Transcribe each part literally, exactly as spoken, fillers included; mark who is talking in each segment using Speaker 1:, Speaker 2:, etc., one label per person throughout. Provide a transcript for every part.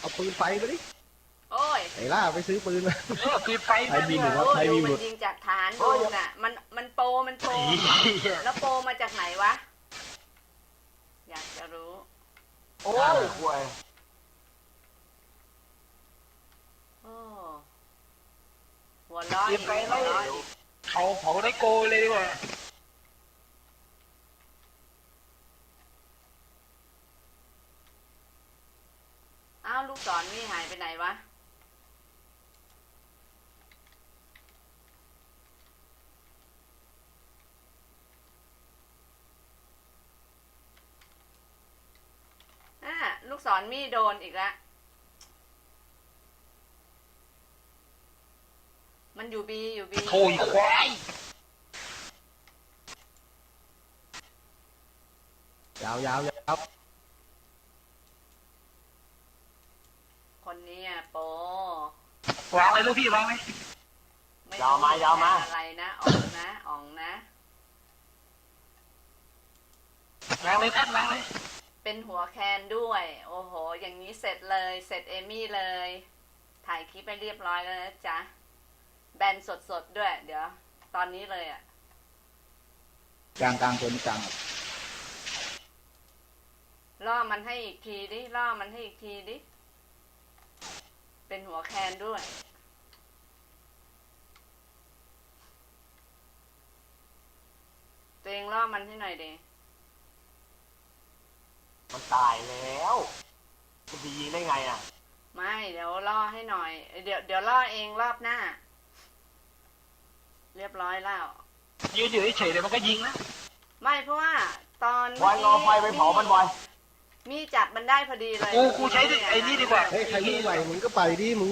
Speaker 1: เอาปืนไฟมาดิ
Speaker 2: โอ้ย
Speaker 1: ไอ้ล่าไปซื้อปืนมา
Speaker 3: เออปืนไฟ
Speaker 1: ใครมีหรือ
Speaker 2: โอ้
Speaker 1: ว่าใคร
Speaker 2: ดู
Speaker 1: มีห
Speaker 2: มั
Speaker 1: ลุ
Speaker 2: น
Speaker 1: ด
Speaker 2: ยิงจากฐานดูน่ะ มันมันโปรมันโปรแล้วโปรมาจากไหนวะ อยากจะรู้
Speaker 3: โอ้ยห่วย
Speaker 2: โอ้หัวเร้อย
Speaker 3: ปืนไฟ
Speaker 2: หั
Speaker 3: ไล่
Speaker 2: วเร้อย
Speaker 3: เขาเผาได้โกเลยดีกว่า
Speaker 2: อ้าวลูกศรนี่หายไปไหนวะ อ่าลูกศรมีโดนอีกแล้ว มันอยู่บีอยู่บี
Speaker 3: โถยควาย
Speaker 1: ยาวยาวยาว
Speaker 2: คนนี้อ่ะโป
Speaker 3: วางเลยลูกพี่วางเลย
Speaker 2: ไม่
Speaker 3: ยาวมายาวมา
Speaker 2: อะไรนะอ่องนะอ่องนะ
Speaker 3: วางเลยท่านวางเลย
Speaker 2: เป็นหัวแคนด้วย โอ้โห อย่างนี้เสร็จเลย เสร็จเอมี่เลย ถ่ายคลิปไปเรียบร้อยแล้วนะจ๊ะ แบนสดๆด้วย เดี๋ยว ตอนนี้เลยอ่ะ
Speaker 1: กลางกลางตัวนี้กลาง
Speaker 2: ล่อมันให้อีกทีดิ ล่อมันให้อีกทีดิ เป็นหัวแคนด้วย ตัวเองล่อมันให้หน่อยดิ
Speaker 3: มันตายแล้วจะไปยิงได้ไงอ่ะ
Speaker 2: ไม่ เดี๋ยวล่อให้หน่อย เดี๋ยวเดี๋ยวล่อเองรอบหน้า เรียบร้อยแล้ว
Speaker 3: ยืนอยู่เฉยๆเดี๋ยวมันก็ยิงนะ
Speaker 2: ไม่เพราะว่าตอน
Speaker 3: บอยรอไฟไปเผามันบอย
Speaker 2: มีจับมันได้พอดีเลย
Speaker 3: กูกูใช้ไอ้นี่ดีกว่า
Speaker 1: เฮ้ยใครมีไหวมึงก็ไปดิมึง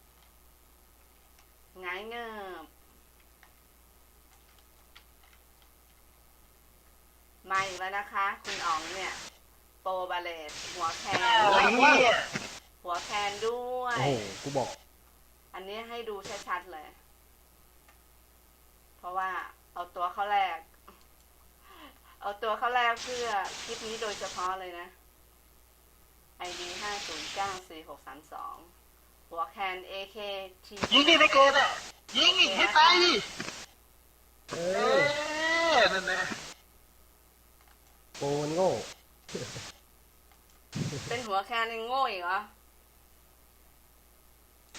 Speaker 2: หงายเงิบมาอีกแล้วนะคะ คุณอ๋องเนี่ย โปรบาเลตหัวแคน
Speaker 3: อะไรเนี่ย
Speaker 2: หัวแคนด้วย
Speaker 1: โอ้โหกูบอก
Speaker 2: อันนี้ให้ดูชัดๆเลย เพราะว่าเอาตัวเข้าแรก เอาตัวเข้าแรกเพื่อคลิปนี้โดยเฉพาะเลยนะ ไอ ดี ห้า ศูนย์ เก้า สี่ หก สาม สอง หัวแคน เอ เค ที
Speaker 3: ยิงดิไม่เกินอ่ะยิงอีกให้ตายดิ
Speaker 1: เอ
Speaker 3: เอ
Speaker 1: อ
Speaker 3: อนั่นแหละ
Speaker 1: โกนโง่
Speaker 2: เป็นหัวแคนยังโง่อีกเหรอ